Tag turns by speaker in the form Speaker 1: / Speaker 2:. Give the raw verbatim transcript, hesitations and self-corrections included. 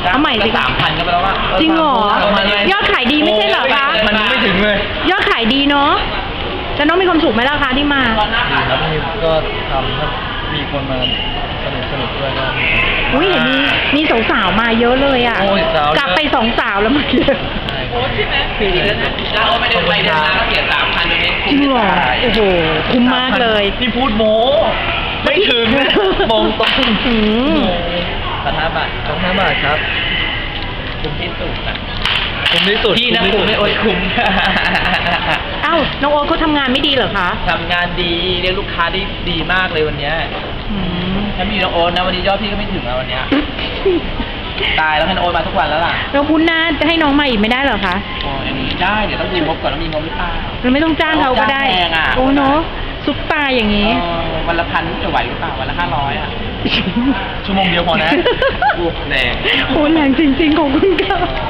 Speaker 1: เอาใหม่สิ
Speaker 2: สามพันก็ไปแล้วว่า
Speaker 1: จริงเหรอยอดขายดีไม่ใช่เหรอคะ
Speaker 2: มันไม่ถึงเลย
Speaker 1: ยอดขายดีเนาะแล้วน้องมีความสุขไหมล่ะคะที่มา
Speaker 2: ครับมีก็ทำครับมีคนมาสนุกสนุกด้วยก็
Speaker 1: อุ้ยเห็นมีมีสาวๆมาเยอะเลยอ่ะกลับไปสองสาวแล้วเมื่อกี้
Speaker 2: โอ้ใช่ไหมคือเราไม่ได้ไปเดินมาก็เสียสามพันตรงนี้
Speaker 1: จริงเหรอโอ้โหคุ้มมากเลย
Speaker 2: นี่พูดโม้ไม่ถึงมองตรง
Speaker 1: ถึง
Speaker 2: สามห้าบาทสามห้าบาทครับคุ้มที่สุดอ่ะคุ้มที่สุดที่นะคุ้มไม่โอ้ยคุ้ม
Speaker 1: เอ้าน้องโอ๊ตเขาทำงานไม่ดีเหรอคะ
Speaker 2: ทำงานดีเรียกลูกค้าได้ดีมากเลยวันนี้ถ้ามีน้องโอ๊ตนะวันนี้ยอดพี่ก็ไม่ถึงแล้ววันนี้ตายแล้วให้น้องโอ๊ตมาทุกวันแล้วล่ะ
Speaker 1: เราพูดหน้าจะให้น้องมาอีกไม่ได้เหรอคะ
Speaker 2: โอ้ยได้เดี๋ยวต้องดูงบก่อนว่ามีงบหรือเปล่า
Speaker 1: เราไม่ต้องจ้างเขาก็ได้โอ้เนาะซุปตาอย่างนี้
Speaker 2: วันละพันจะไหวหรือเปล่าวันละห้าร้อยอ่ะชั่วโมงเดียวพอนะแรง
Speaker 1: โอ้แรงจริงๆของคุณค่ะ